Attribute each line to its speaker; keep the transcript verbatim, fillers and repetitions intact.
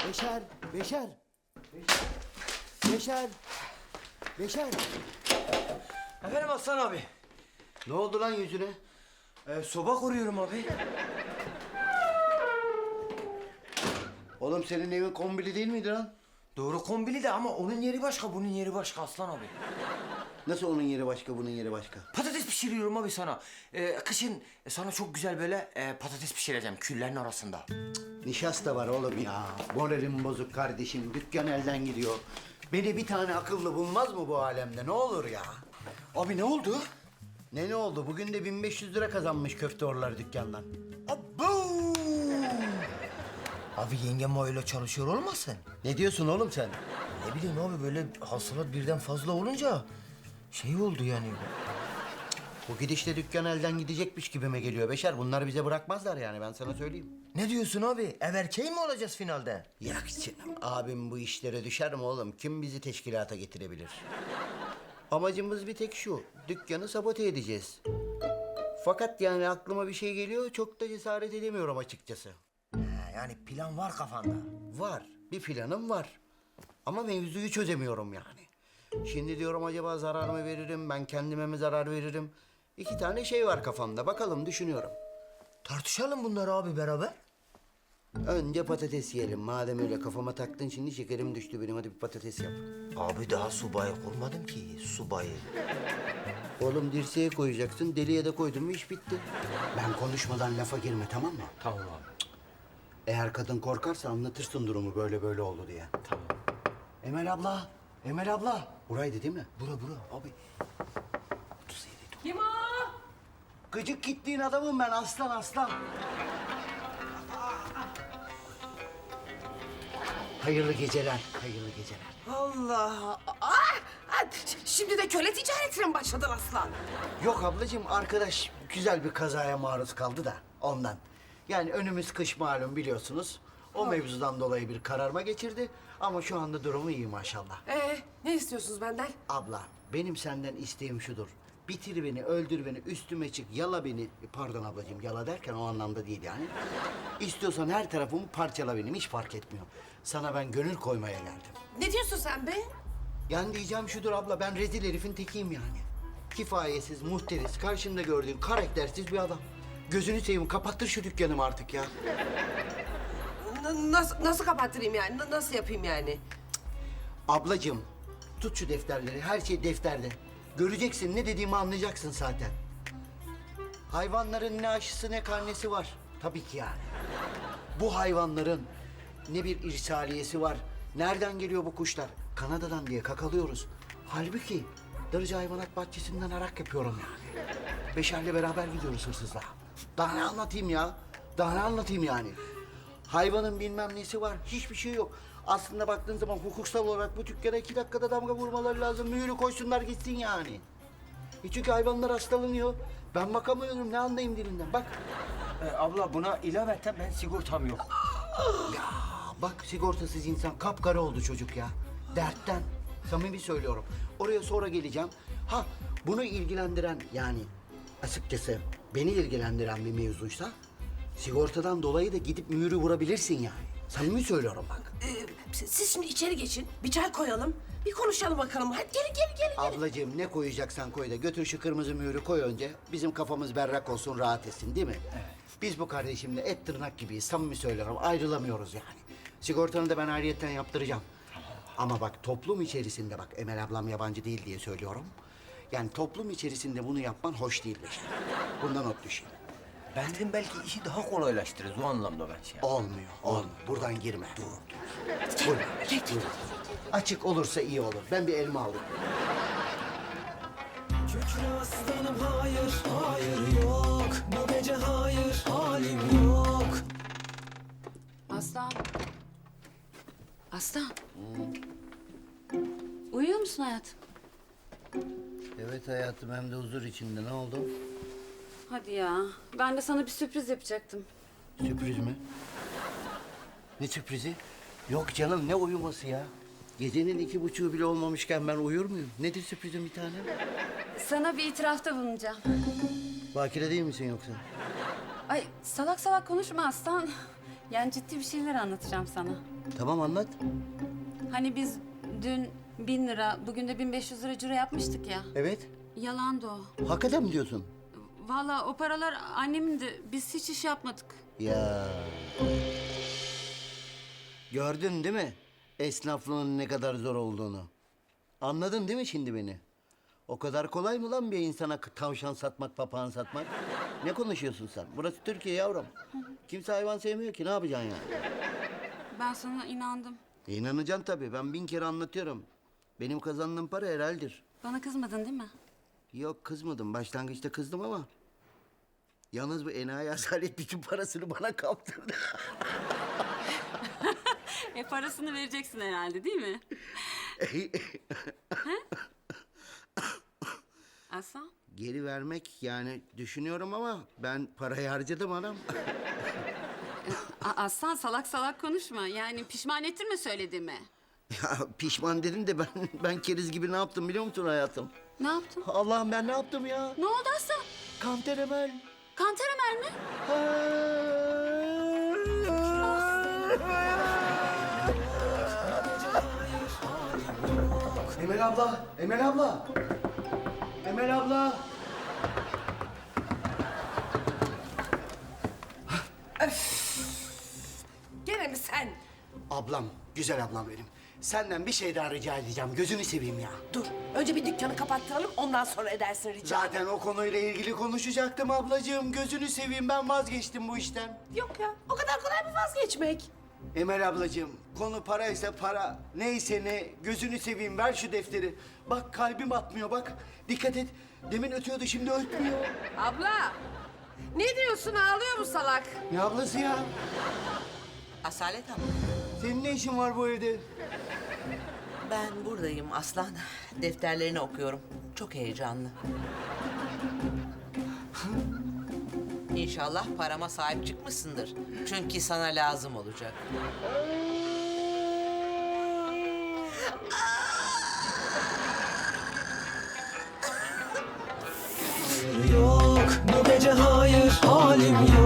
Speaker 1: Beşer, Beşer. Beşer. Beşer.
Speaker 2: Efendim Aslan abi.
Speaker 1: Ne oldu lan yüzüne?
Speaker 2: Ee, soba kuruyorum abi.
Speaker 1: Oğlum senin evin kombili değil miydi lan?
Speaker 2: Doğru kombili de ama onun yeri başka, bunun yeri başka Aslan abi.
Speaker 1: Nasıl onun yeri başka, bunun yeri başka?
Speaker 2: Patates pişiriyorum abi sana. Ee, kışın sana çok güzel böyle e, patates pişireceğim küllerin arasında.
Speaker 1: Nişasta var oğlum ya. Moralim bozuk kardeşim. Dükkan elden gidiyor. Beni bir tane akıllı bulmaz mı bu alemde? Ne olur ya?
Speaker 2: Abi ne oldu?
Speaker 1: Ne ne oldu? Bugün de bin beş yüz lira kazanmış köfteorlar dükkandan.
Speaker 2: Abo! Abi yengem öyle çalışıyor olmasın?
Speaker 1: Ne diyorsun oğlum sen?
Speaker 2: Ne bileyim abi böyle hasılat birden fazla olunca şey oldu yani.
Speaker 1: Bu gidişle dükkan elden gidecekmiş gibime geliyor Beşer. Bunlar bize bırakmazlar yani, ben sana söyleyeyim.
Speaker 2: Ne diyorsun abi? Ev erkeği mi olacağız finalde?
Speaker 1: Yak canım. Abim bu işlere düşer mi oğlum? Kim bizi teşkilata getirebilir? Amacımız bir tek şu. Dükkanı sabote edeceğiz. Fakat yani aklıma bir şey geliyor. Çok da cesaret edemiyorum açıkçası.
Speaker 2: He, yani plan var kafanda.
Speaker 1: Var. Bir planım var. Ama mevzuyu çözemiyorum yani. Şimdi diyorum acaba zarar mı veririm? Ben kendime mi zarar veririm? İki tane şey var kafamda. Bakalım, düşünüyorum.
Speaker 2: Tartışalım bunları abi beraber.
Speaker 1: Önce patates yiyelim. Madem öyle kafama taktın, şimdi şekerim düştü benim. Hadi bir patates yap.
Speaker 2: Abi daha subayı kurmadım ki, subayı.
Speaker 1: Oğlum dirseğe koyacaksın, deliye de koydun mu iş bitti. Ben konuşmadan lafa girme, tamam mı?
Speaker 2: Tamam abi.
Speaker 1: Eğer kadın korkarsa anlatırsın durumu, böyle böyle oldu diye.
Speaker 2: Tamam.
Speaker 1: Emel abla, Emel abla. Buraydı değil mi? Bura bura abi. otuz yedi.
Speaker 3: Kim o?
Speaker 1: Gıcık gittiğin adamım ben, aslan aslan. Hayırlı geceler, hayırlı geceler.
Speaker 3: Allah! Aa! Aa, şimdi de köle ticaretine mi başladın aslan?
Speaker 1: Yok ablacığım, arkadaş güzel bir kazaya maruz kaldı da ondan. Yani önümüz kış malum, biliyorsunuz. O mevzudan dolayı bir kararma geçirdi. Ama şu anda durumu iyi maşallah.
Speaker 3: Ee, ne istiyorsunuz benden?
Speaker 1: Abla, benim senden isteğim şudur. Bitir beni, öldür beni, üstüme çık, yala beni. Pardon ablacığım, yala derken o anlamda değil yani. İstiyorsan her tarafımı parçala benim, hiç fark etmiyor. Sana ben gönül koymaya geldim.
Speaker 3: Ne diyorsun sen be?
Speaker 1: Yani diyeceğim şudur abla, ben rezil herifin tekiyim yani. Kifayetsiz, muhteriz, karşımda gördüğün karaktersiz bir adam. Gözünü seveyim, kapattır şu dükkanımı artık ya.
Speaker 3: N- nasıl, nasıl kapattırayım yani? N- nasıl yapayım yani?
Speaker 1: Ablacığım, tut şu defterleri, her şey defterde. Göreceksin, ne dediğimi anlayacaksın zaten. Hayvanların ne aşısı ne karnesi var. Tabii ki yani. Bu hayvanların ne bir irsaliyesi var. Nereden geliyor bu kuşlar? Kanada'dan diye kakalıyoruz. Halbuki Darıca Hayvanat Bahçesi'nden arak yapıyorum yani. Beşer'le beraber gidiyoruz hırsızlığa. Daha ne anlatayım ya? Daha ne anlatayım yani? Hayvanın bilmem nesi var, hiçbir şey yok. Aslında baktığın zaman hukuksal olarak bu dükkana iki dakikada damga vurmaları lazım. Mühürü koysunlar gitsin yani. E çünkü hayvanlar hastalanıyor. Ben bakamıyorum, ne anlayayım dilinden. Bak,
Speaker 2: Ee, abla buna ilaveten ben sigortam yok.
Speaker 1: bak sigortasız insan kapkara oldu çocuk ya. Dertten. Samimi söylüyorum. Oraya sonra geleceğim. Ha, bunu ilgilendiren yani açıkçası beni ilgilendiren bir mevzuysa sigortadan dolayı da gidip mühürü vurabilirsin yani. Samimi söylüyorum bak.
Speaker 3: Ee, siz şimdi içeri geçin. Bir çay koyalım. Bir konuşalım bakalım. Hadi gelin gelin gelin. gelin.
Speaker 1: Ablacığım ne koyacaksan koy da götür şu kırmızı mühürü koy önce. Bizim kafamız berrak olsun, rahat etsin değil mi? Evet. Biz bu kardeşimle et tırnak gibiyiz, samimi söylüyorum, ayrılamıyoruz yani. Sigortanı da ben ayrıyetten yaptıracağım. Ama bak toplum içerisinde, bak Emel ablam yabancı değil diye söylüyorum. Yani toplum içerisinde bunu yapman hoş değil Beşer. Bundan not düşeyim.
Speaker 2: Ben dedim belki işi daha kolaylaştırırız o anlamda ben şey.
Speaker 1: Olmuyor, olmuyor. Buradan girme. Dur, dur. Buyurun. Buyurun. Açık olursa iyi olur. Ben bir elma alayım.
Speaker 4: Kükre aslanım hayır, hayır yok. Bu gece hayır, halim yok.
Speaker 5: Aslan. Aslan. Uyuyor musun hayatım?
Speaker 1: Evet hayatım, hem de huzur içinde. Ne oldu?
Speaker 5: Hadi ya. Ben de sana bir sürpriz yapacaktım.
Speaker 1: Sürpriz mi? Ne sürprizi? Yok canım, ne uyuması ya? Gecenin iki buçuğu bile olmamışken ben uyur muyum? Nedir sürprizim bir tane?
Speaker 5: Sana bir itirafta bulunacağım.
Speaker 1: Bakire değil misin yoksa?
Speaker 5: Ay salak salak konuşma Aslan. Yani ciddi bir şeyler anlatacağım sana.
Speaker 1: Tamam anlat.
Speaker 5: Hani biz dün bin lira, bugün de bin beş yüz lira ciro yapmıştık ya.
Speaker 1: Evet.
Speaker 5: Yalandı o.
Speaker 1: Hakikaten mi diyorsun?
Speaker 5: Vallahi o paralar annemindi. Biz hiç iş yapmadık.
Speaker 1: Ya. Gördün değil mi? Esnaflığın ne kadar zor olduğunu. Anladın değil mi şimdi beni? O kadar kolay mı lan bir insana k- tavşan satmak, papağan satmak? Ne konuşuyorsun sen? Burası Türkiye yavrum. Kimse hayvan sevmiyor ki. Ne yapacaksın yani?
Speaker 5: Ben sana inandım.
Speaker 1: E, İnanacaksın tabii. Ben bin kere anlatıyorum. Benim kazandığım para helaldir.
Speaker 5: Bana kızmadın değil mi?
Speaker 1: Yok kızmadım. Başlangıçta kızdım ama... Yalnız bu enayi asalet bütün parasını bana kaptırdı.
Speaker 5: E parasını vereceksin herhalde değil mi? Ha? Aslan?
Speaker 1: Geri vermek yani düşünüyorum ama ben parayı harcadım anam.
Speaker 5: A- Aslan salak salak konuşma. Yani pişman ettirme söylediğimi.
Speaker 1: Ya pişman dedin de ben ben keriz gibi ne yaptım biliyor musun hayatım?
Speaker 5: Ne yaptın?
Speaker 1: Allah'ım ben ne yaptım ya?
Speaker 5: Ne oldu Aslan?
Speaker 1: Kanter Emel.
Speaker 5: Kanter Ömer mi?
Speaker 1: Emel abla, Emel abla. Emel abla.
Speaker 3: Gene mi sen?
Speaker 1: Ablam, güzel ablam benim. Senden bir şey daha rica edeceğim. Gözünü seveyim ya.
Speaker 3: Dur. Önce bir dükkanı kapattıralım. Ondan sonra edersin rica.
Speaker 1: Zaten o konuyla ilgili konuşacaktım ablacığım. Gözünü seveyim ben vazgeçtim bu işten.
Speaker 3: Yok ya. O kadar kolay mı vazgeçmek?
Speaker 1: Emel ablacığım, konu paraysa para, neyse ne, gözünü seveyim ver şu defteri. Bak kalbim atmıyor bak, dikkat et. Demin ötüyordu, şimdi ötmüyor.
Speaker 3: Abla. Ne diyorsun? Ağlıyor mu salak?
Speaker 1: Ne ablası ya?
Speaker 6: Asalet Hanım,
Speaker 1: Senin ne işin var bu evde?
Speaker 6: ben buradayım Aslan. Defterlerini okuyorum. Çok heyecanlı. İnşallah parama sahip çıkmışsındır. Çünkü sana lazım olacak.
Speaker 4: yok. Bu gece hayır halim